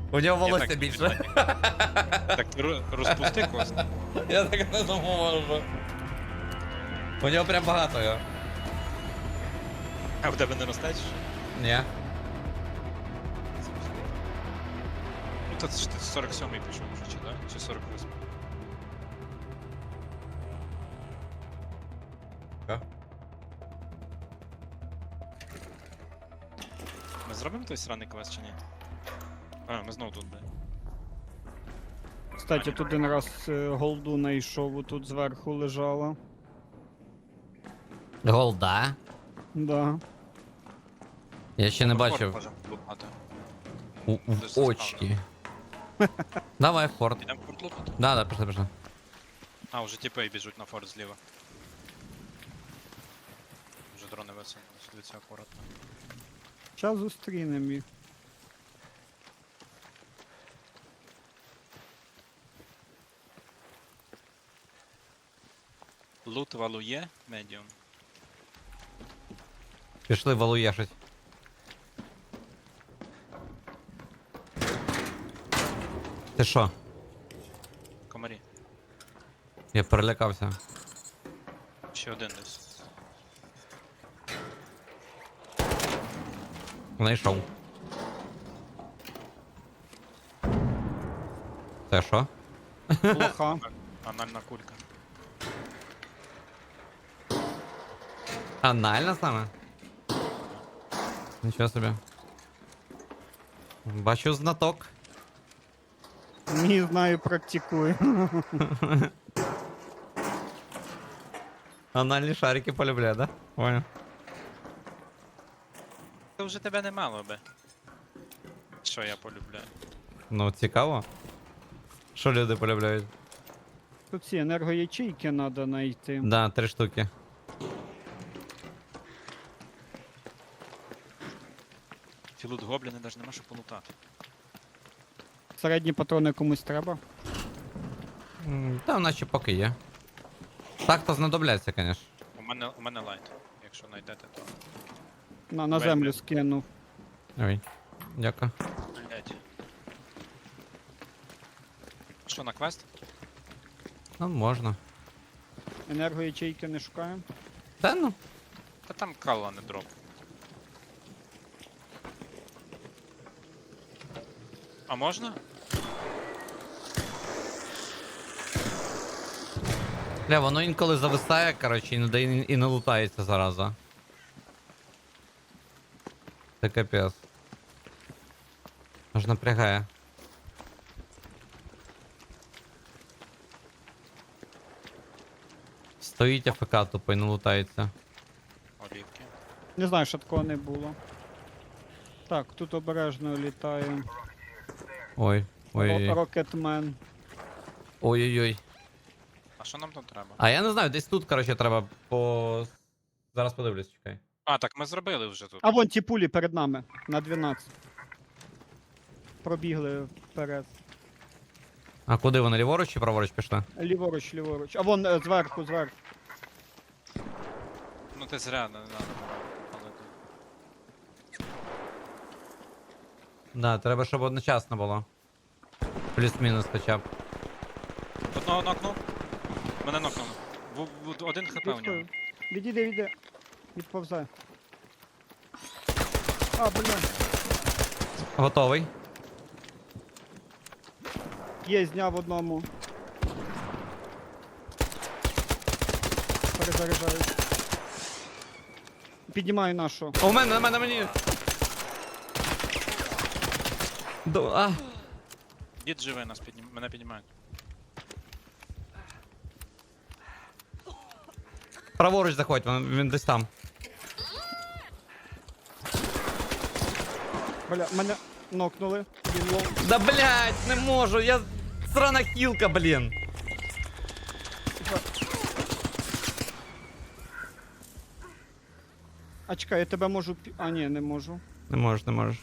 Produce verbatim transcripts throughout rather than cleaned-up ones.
У нього Я волосся так більше. собі Так ро- розпусти кост. Я так не можу. У нього прям багато його. А в тебе не росте чи що? Ні. Ну то це ж ти сорок сьомий пішов вже, чи да? Чи сорок восьмий? Що? Ми зробимо той сраний квест чи ні? А, ми знову тут, бля. Кстати, тут один раз е, голду знайшов, тут зверху лежала. Голда? Да. Я ще не Форт бачив. можемо лутати. У, в очки. Давай, в форт. Ідемо форт лутати? Да, да, пішли, пішли. А, вже тіпи біжуть на форт зліва. Вже дрони висунулись, дивіться акуратно. Зараз зустрінемо їх. Лут валує, медіум. Пішли валуєшить. Ти що? Комарі. Я перелякався. Ще один десь. Знайшов. Це що? Плоха. Анальна кулька. Анально саме? Нічого собі. Бачу знаток. Не знаю, практикую. Анальні шарики полюбляю, да? Понял. Це вже тебе не мало би. Що я полюбляю? Ну, цікаво. Що люди полюбляють? Тут ці енергоячейки треба знайти. Да, три штуки. Ці лут гобліни навіть нема що полутати. Середні патрони комусь треба. М, Та в нас ще поки є. Так то знадобляться, звісно. У мене, у мене лайт. Якщо знайдете, то. На, на Вельми. землю скинув. Ой, дякую. Блять. Що, на квест? Ну, можна. Енергоячейки не шукаємо. Та ну. Та там калла не дроп. А можна? Бля, воно інколи зависає, коротше, і не, дає- і не лутається зараза. Це капець. Аж напрягає. Стоїть АФК тупо і не лутається. Олівки. Не знаю, що такого не було. Так, тут обережно літає. Ой, ой, Ро- Рокетмен. ой-ой-ой. А що нам тут треба? А я не знаю, десь тут, коротше, треба по... Зараз подивлюсь, чекай. А, так ми зробили вже тут. А вон ті пулі перед нами. На дванадцять. Пробігли вперед. А куди вони, ліворуч чи праворуч пішли? Ліворуч, ліворуч. А вон е, зверху, зверху. Ну ти зря не надо було. Але тут. Да, треба, щоб одночасно було. Плюс-мінус хоча б. Одного нокнув. Мене нокнув. В, в, один хп у нього. Відходь. Відійди, відійди. Відповзай. А, бля. Готовий. Є, зняв одному. Перезаряджаю. Піднімаю нашу. О, у мене, на мене, на мені. До, а. Дід живе, нас піднім... мене піднімають. Праворуч заходь, він, він десь там. Бля, мене нокнули. Він лов. Да блять, не можу, я срана хілка, блін. А чекай, я тебе можу пі... А, ні, не можу. Не можеш, не можеш.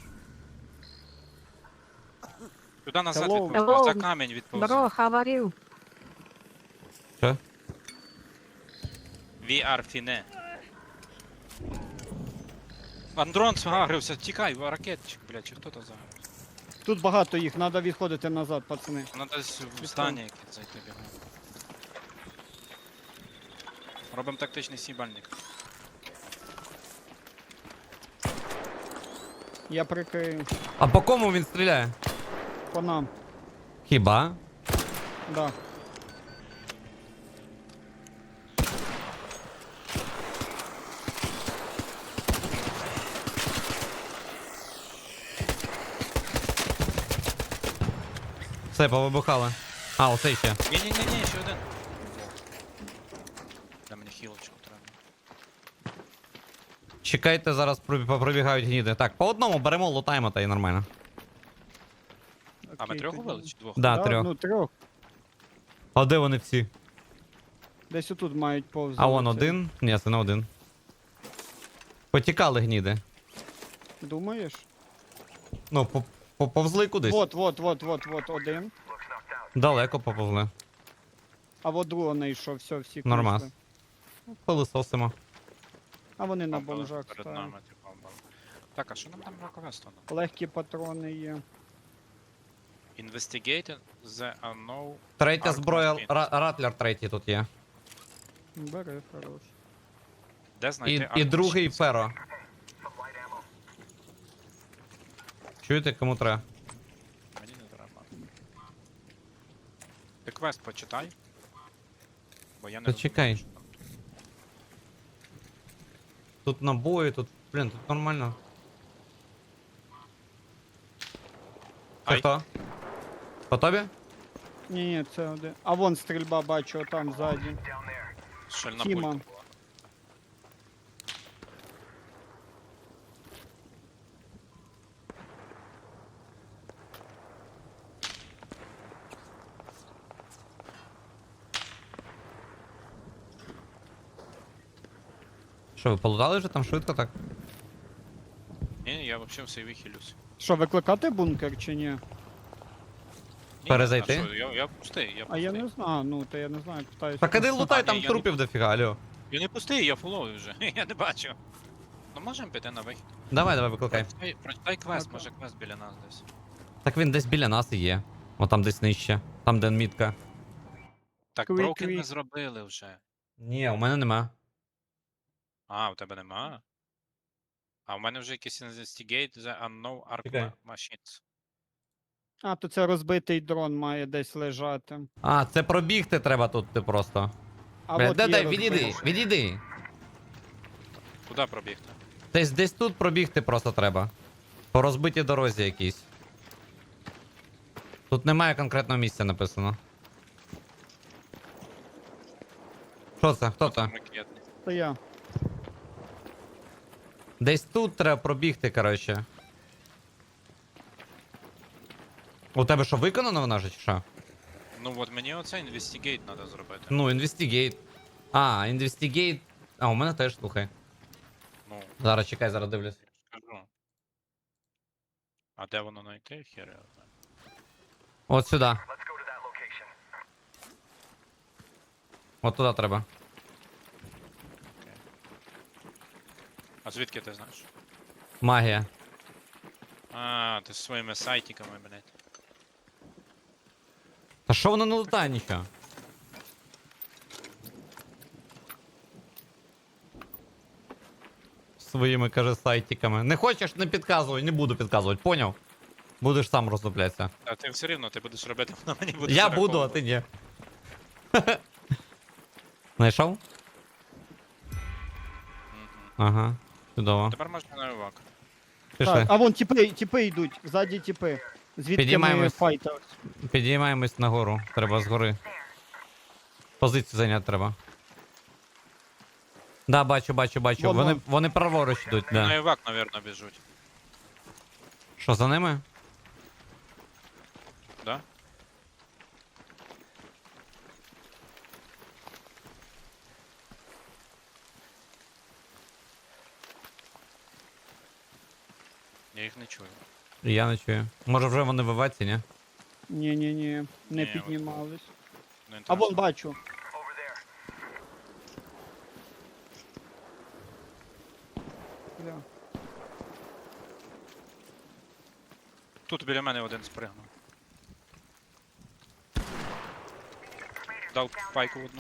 Туди назад Hello. відповз. За Hello. камінь відповз. Bro, how are you? Що? We are fine. Андрон згагрився, тікай, ракетчик, блядь, чи хто то загавився? Тут багато їх, треба відходити назад, пацани. Вона десь в стані якесь зайти бігає. Робимо тактичний сібальник. Я прикрию. А по кому він стріляє? По нам. Хіба? Да. Все, повибухали. А, оце ще. Ні-ні-ні, ще один. Дай мені хілочку треба. Чекайте, зараз пробі- попробігають гніди. Так, по одному беремо, лутаємо та і нормально. А ми Окей, трьох тоді. убили чи двох? Да, трьох. Ну, трьох. А де вони всі? Десь отут мають повзати. А вон один? Ні, це не один. Потікали гніди. Думаєш? Ну, по- по- повзли кудись. Вот, вот, вот, вот, вот, один. Далеко поповзли. А вот другого не йшов, все, всі Нормас. вийшли. Пилисосимо. А вони на Бомбили бомжах перед стоять. нами, типу, бомбили. Так, а що нам там роковесто? Легкі патрони є. Investigate the unknown... Третя Арк зброя, Машин. ра- ратлер третій тут є. Бери, хорош. Де знайти І, і Arc другий Machines? феро. Чуєте, кому треба? Мені не треба. Ти квест почитай. Бо я не Почекай. розумію, що там. Тут набої, тут, блін, тут нормально. Це Ай. хто? По тобі? Ні, ні, це один. А вон стрільба бачу, там ззаді. Шальна Тіма. пульта була. Що, ви полутали вже там швидко так? Ні, ні, я взагалі все вихилюсь. Що, викликати бункер чи ні? Ні, Перезайти? а що, Я, я пустий, я А пустий. я не знаю, ну, то я не знаю, питаюся. Так іди просто. лутай, А, там ні, я трупів дофіга, алло. Я не пустий, я фуловий вже. Я не бачу. Ну можемо піти на вихід. Давай, давай, викликай. Прочитай, прочитай квест, Так. може квест біля нас десь. Так він десь біля нас і є. О, там десь нижче. Там, де мітка. Так, Quick, Broken ми quick. зробили вже. Ні, у мене нема. А, у тебе нема? А у мене вже якийсь Investigate the Unknown Arc Чекай. Machines. А, то це розбитий дрон має десь лежати. А, це пробігти треба тут ти просто. А Бля, от дай, є дай, відійди, розбитий. відійди. Куди пробігти? Десь десь тут пробігти просто треба. По розбитій дорозі якійсь. Тут немає конкретного місця написано. Що це? Хто це? Там ракетний. Це я. Десь тут треба пробігти, коротше. У тебе що, виконано вона вже чи що? Ну от мені оце Investigate треба зробити. Ну, Investigate. А, Investigate. А, у мене теж, слухай. Ну, Зараз чекай, зараз дивлюсь. скажу. А де воно знайти? Хер я знаю. От сюди. От туди треба. А звідки ти знаєш? Магія. А, ти зі своїми сайтиками, блядь. Та що воно не лутає нічого? Своїми, каже, сайтиками. Не хочеш, не підказуй, не буду підказувати, поняв? Будеш сам роздуплятися. А ти все рівно ти будеш робити, воно мені буде Я буду, а ти ні. Знайшов? Ага, чудово. Тепер можна на івак. Пішли. Так, а вон тіпи, тіпи йдуть, ззаді тіпи. Звідки ми Підіймаємось. файтер? Підіймаємось нагору. Треба згори. Позицію зайняти треба. Да, бачу, бачу, бачу. Вон, Вони, вон. вони праворуч йдуть, На да. івак, навірно, біжуть. Що, за ними? Да? Я їх не чую. Я не чую. Може вже вони в еваці, ні? Ні-ні-ні, не Ні, от- піднімались. Не А вон інтересно. бачу. Бля. Тут біля мене один спригнув. Дав пайку одну.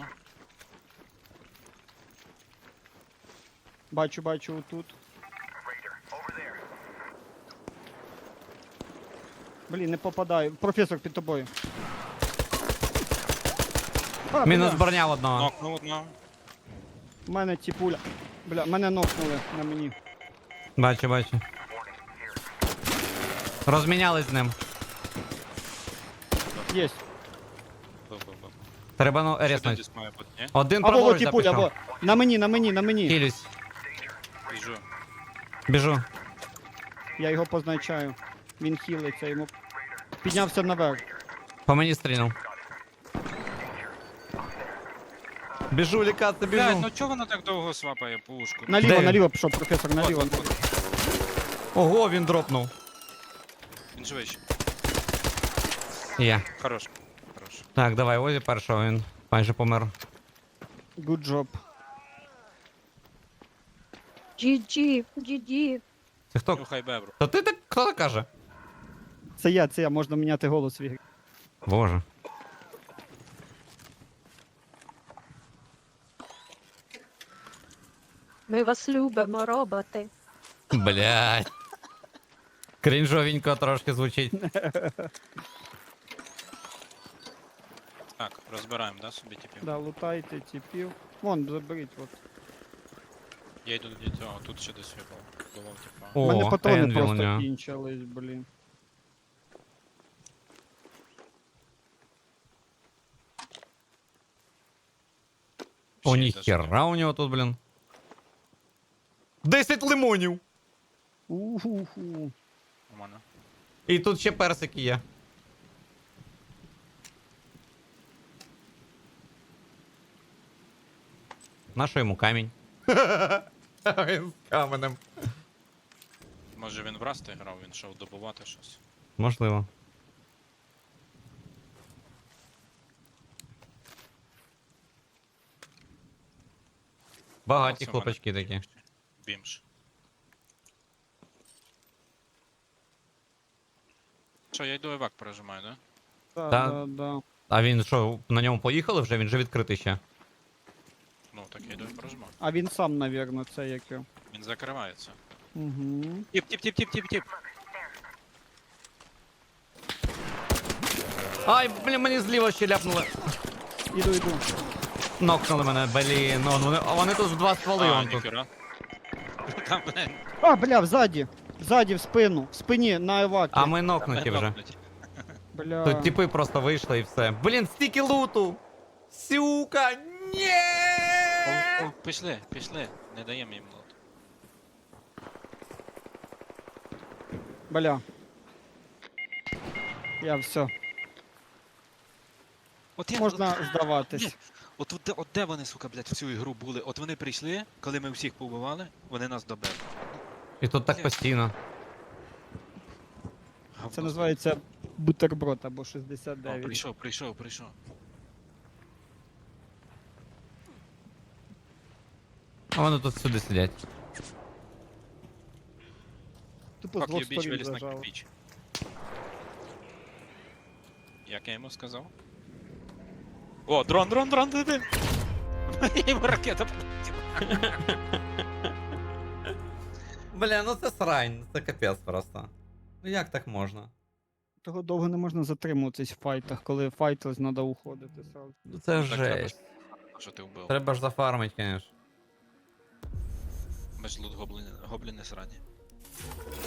Бачу, бачу отут. Блін, не попадаю. Професор під тобою. А, Мінус бля, броня в одного. Нокнув одного. в мене ті пуля. Бля, мене нокнули на мені. Бачу, бачу. Розмінялись з ним. Єсть. Бу-бу-бу. Треба ну Ще резнуть. десь має бути, ні? Один Або во праворуч ті пуля, запішов. або. На мені, на мені, на мені. Хилюсь. Біжу. Біжу. Я його позначаю. Він хілиться, йому. Піднявся наверх. По мені стрільнув. Біжу лікати, Блядь, біжу. ну чого вона так довго свапає пушку? Наліво, Де він? наліво пішов, професор, наліво. От, от, от. Ого, він дропнув. Він живий ще. Є. Хорош. Хорош. Так, давай, Озі першого, він майже помер. Good job. джі джі, джі джі. Це хто? Нюхай бебру. То ти так, хто так каже? Це я, це я, можна міняти голос в ігрі. Боже. Ми вас любимо, роботи. Блядь. Крінжовенько трошки звучить. Так, розбираємо, да, собі типів? Да, лутайте типів. Вон, заберіть, от. Я йду до цього, тут ще десь випав. Бував, типа. У О, мене патрони Енвіл у просто нього. кінчились, блін. О, Ще й десь є. ніхера у нього тут, блін. Десять лимонів! Уху-ху. У мене. І тут ще персики є. Нащо йому камінь? Він з каменем. Може він в Расти грав, він йшов добувати щось. Можливо. Багаті Це в мене. хлопачки такі. Бімж. Що, я йду евак пережимаю, да? Да, Та- да, да. А він що, на ньому поїхали вже? Він же відкритий ще. Ну, так я йду і пережимаю. А він сам, навірно, це як його. Він закривається. Угу. Тіп, тіп, тіп, тіп, тіп, тіп. Ай, блін, мені зліва ще ляпнули. Іду, іду. Нокнули мене, блін. Ну, вони, а вони тут в два стволи, А, он тут. ніхера. Там, блин, А, бля, взаді. Взаді, в спину. В спині, на евакі. А ми нокнуті вже. нокнуть. Бля. Тут типи просто вийшли і все. Блін, стільки луту! Сюка! Ні! О, о, Пішли, пішли. Не даємо їм лот. Бля. Я все. От я, Можна от, здаватись. Ні. от, от, де- от де вони, сука, блядь, в цю ігру були? От вони прийшли, коли ми всіх побивали, вони нас добили. І тут так постійно. Це називається бутерброд або шістдесят О, дев'ять. прийшов, прийшов, прийшов. А вони тут сюди сидять. Тупо з Как двох я біч сторін виліз на зажало. кирпич. Як я йому сказав? О, дрон, дрон, дрон, диви! Йому ракета полетіла. Бля, ну це срань, це капець просто. Ну як так можна? Того довго не можна затримуватись в файтах, коли файтились, треба уходити сразу. Ну це Так треба жесть. ж, що ти вбив. Треба ж зафармить, конечно. Ми ж лут гобліни, гобліни срані.